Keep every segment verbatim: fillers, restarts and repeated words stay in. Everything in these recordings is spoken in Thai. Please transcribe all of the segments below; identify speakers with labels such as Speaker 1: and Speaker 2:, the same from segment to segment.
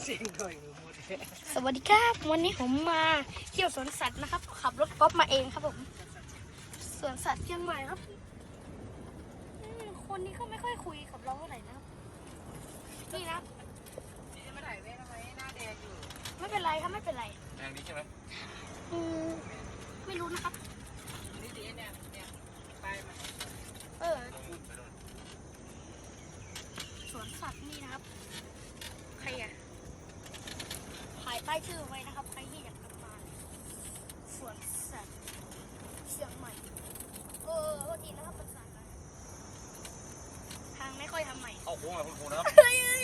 Speaker 1: สวัสดีครับวันนี้ผมมาเที่ยวสวนสัตว์นะครับขับรถกอล์ฟมาเองครับผมสวนสัตว์เชียงใหม่ครับคนนี้ก็ไม่ค่อยคุยกับเราเท่าไหร่นะครับนี่นะไม่ถ่ายเว้ยทำไมหน้าแดงอยู่ไม่เป็นไรครับไม่เป็นไร
Speaker 2: แดงนี้ใช่ไหม
Speaker 1: อืมไม่รู้นะครับ
Speaker 3: นี่ดีเนี่ยเนี่ยไปมา
Speaker 1: เออสวนสัตว์นี่นะครับใครอะถ่ายป้ายชื่อไว้นะครับใครที่อยากมาสวนสัตว์เชียงใหม่เออโทษทีนะครับภาษาทางไม่ค่อยทำใหม่
Speaker 2: เข้าโค้งอะคุณครูนะครับ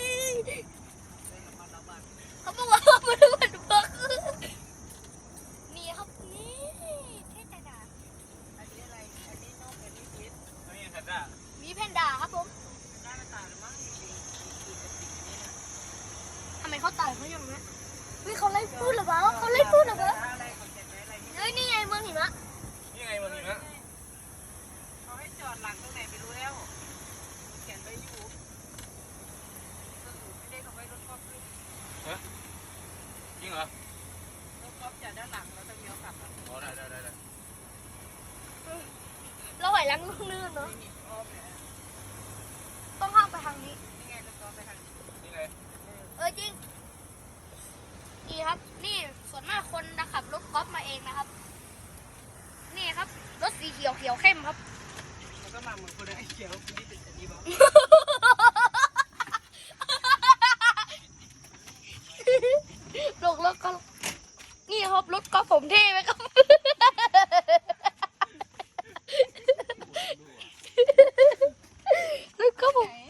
Speaker 1: เขาบอกว่ามาดูมันเบิกนี่ครับนี่เทศดา
Speaker 3: อันนี้อะไรอันนี้นกอันนี้พิษ
Speaker 2: อันนี้แพนด้า
Speaker 1: มีแพนด้าครับผม
Speaker 3: ได้มาตายหรือมั้งมีมีมีกระติกนี้นะ
Speaker 1: ทำไมเขาตายเขาอย่างนี้เฮ้ยเขาไล่พูดหรือเปล่าเขาไล่พูดหรือเปล่าเฮ้ยนี่ไงเมืองหิมะ
Speaker 2: นี่ไงเมืองหิมะ
Speaker 3: เขาให้จอดหลังตรงไหนไปรู้แล้วเขียนไปอยู่ไม่ได้เขาไว้รถกอล์ฟด้วย
Speaker 2: ฮะจริงเหรอ
Speaker 3: รถกอล์ฟจอดด้านหลังแล้วต้องเลี้ยวกลับ
Speaker 2: อ๋อได้ได้ได้
Speaker 1: เราไหวล้างลูกนื่นเนาะต้องข้ามไปทางนี้
Speaker 3: นี่ไงรถกอล์ฟไปทางนี้
Speaker 2: นี่ไง
Speaker 1: เออจริงนี่ครับนี่ส่วนมากคนนะขับรถกอล์ฟมาเองนะครับนี่ครับรถสีเขียวเขียวเข้มครับ
Speaker 3: แล้วก็มาเหมือนคนไอ้เขียวคนนี้เป็นอันนี้บ้าง
Speaker 1: ลงรถก็นี่ครับรถกอล์ฟผมเท่ไหมครับรถกอล์ฟผม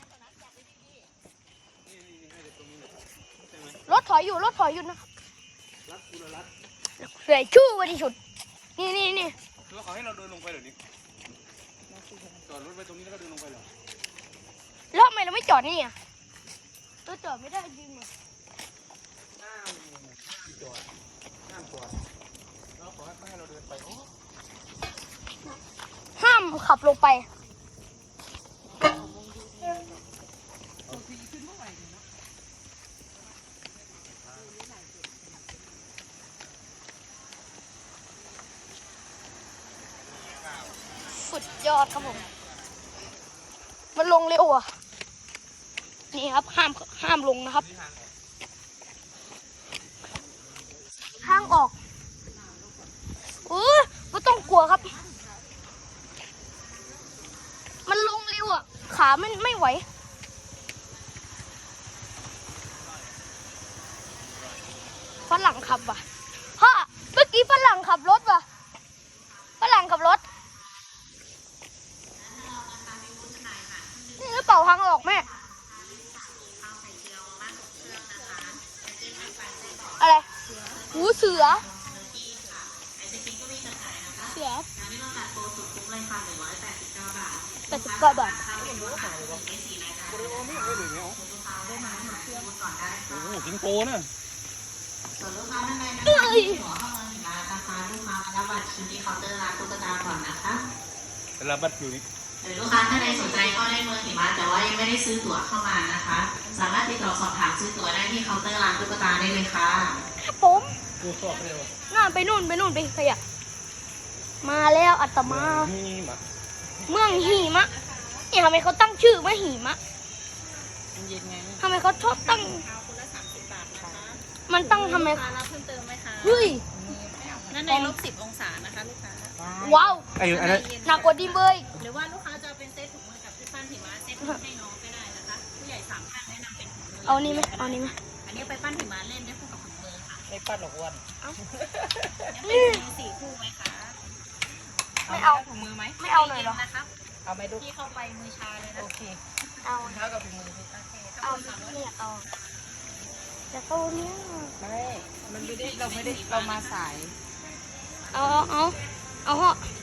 Speaker 1: รถถอยอยู่รถถอยอยู่นะครับเสียชื่อวันที่สุดนี่นี่นี่
Speaker 2: แล้วเขาให้เราเดินลงไปเหรอนี่จอดรถไปตรงนี้แล้วก็เดินลงไปเหรอ
Speaker 1: แล้วทำไมเราไม่จอดนี่อ่ะเราจอดไม่ได้จริงเหรอ
Speaker 2: ห้ามจอดห้ามจอดแล้วขอให้ให้เราเดินไปโอ้
Speaker 1: ห้ามขับลงไปสุดยอดครับผมมันลงเร็วอ่ะนี่ครับห้ามห้ามลงนะครับทางออกเออไม่ต้องกลัวครับมันลงเร็วอ่ะขาไม่ไม่ไหวฝรั่งขับว่ะฮ่าเมื่อกี้ฝรั่งขับรถว่ะฝรั่งขับรถนี่กระเป๋าทางออกแม่อะไรหูเสือเสือแปดสิบเก้าบาท
Speaker 2: โอ้โหสิงโตนะ
Speaker 4: ส่วนลูกค้าท่านใดนะคะที่หัวเข้ามาถึงร้านนะคะลูกค้ามารับบัตรคิวที่เคาน์เตอร์ร้านตุ๊กตาก่อนนะคะ
Speaker 2: รับบัตรคิวนี่
Speaker 4: หรือลูกค้าท่านใดสนใจก็ได้เมืองหิมะแต่ว่ายังไม่ได้ซื้อตั๋วเข้ามานะคะสามารถติดต่อสอบถามซื้อตั๋วได้ที่เคาน์เตอร์ร้านตุ๊กตาได้เลยค่ะ
Speaker 1: ครับผมน่าไปนู่นไปนู่นไปขยับมาแล้วอัตมาเมืองหิมะนี่ทำไมเขาตั้งชื่อว่าหิมะทำไมเขาชอบตั้งมันตั้งทำไม
Speaker 3: คะรับเพิ่มเติมไหมคะ
Speaker 1: เฮ้ย
Speaker 3: นั่นในลบสิบองศานะคะลูกค้า
Speaker 1: ว้าว
Speaker 2: ไอ้อันนั้น
Speaker 1: หนักกว่าดีเบย
Speaker 3: หรือว่าลูกค้าจะเป็นเซตถุงมือกับที่ปั้นหิมะเซตให้น้องก็ได้นะคะผู้ใหญ่สามท่านแนะนำเป็นถุงมือ
Speaker 1: เอานี่ไหมเอานี่ไหม
Speaker 3: อันนี้ไปปั้นหิมะเล่นได้คู่กับถุงมือค่ะ
Speaker 2: ไม่ปั้นหรอกวัน
Speaker 3: นี่เป็นสี่คู่ไหมคะ
Speaker 1: ไม่เอา
Speaker 3: ถุงมือไหม
Speaker 1: ไม่เอาเลยหรอ
Speaker 3: นะคะเอาไม่ดูที่เข้าไปมือชาเลยนะโอเค
Speaker 1: เอา
Speaker 3: เท้ากับถุงมือ
Speaker 1: เอาเนี่ยเอาจะเข้าเนี่ย
Speaker 3: ไม่มันไม่ได้เราไม่ได้เรามาสาย
Speaker 1: เอาเอาเอาเอาเหาะ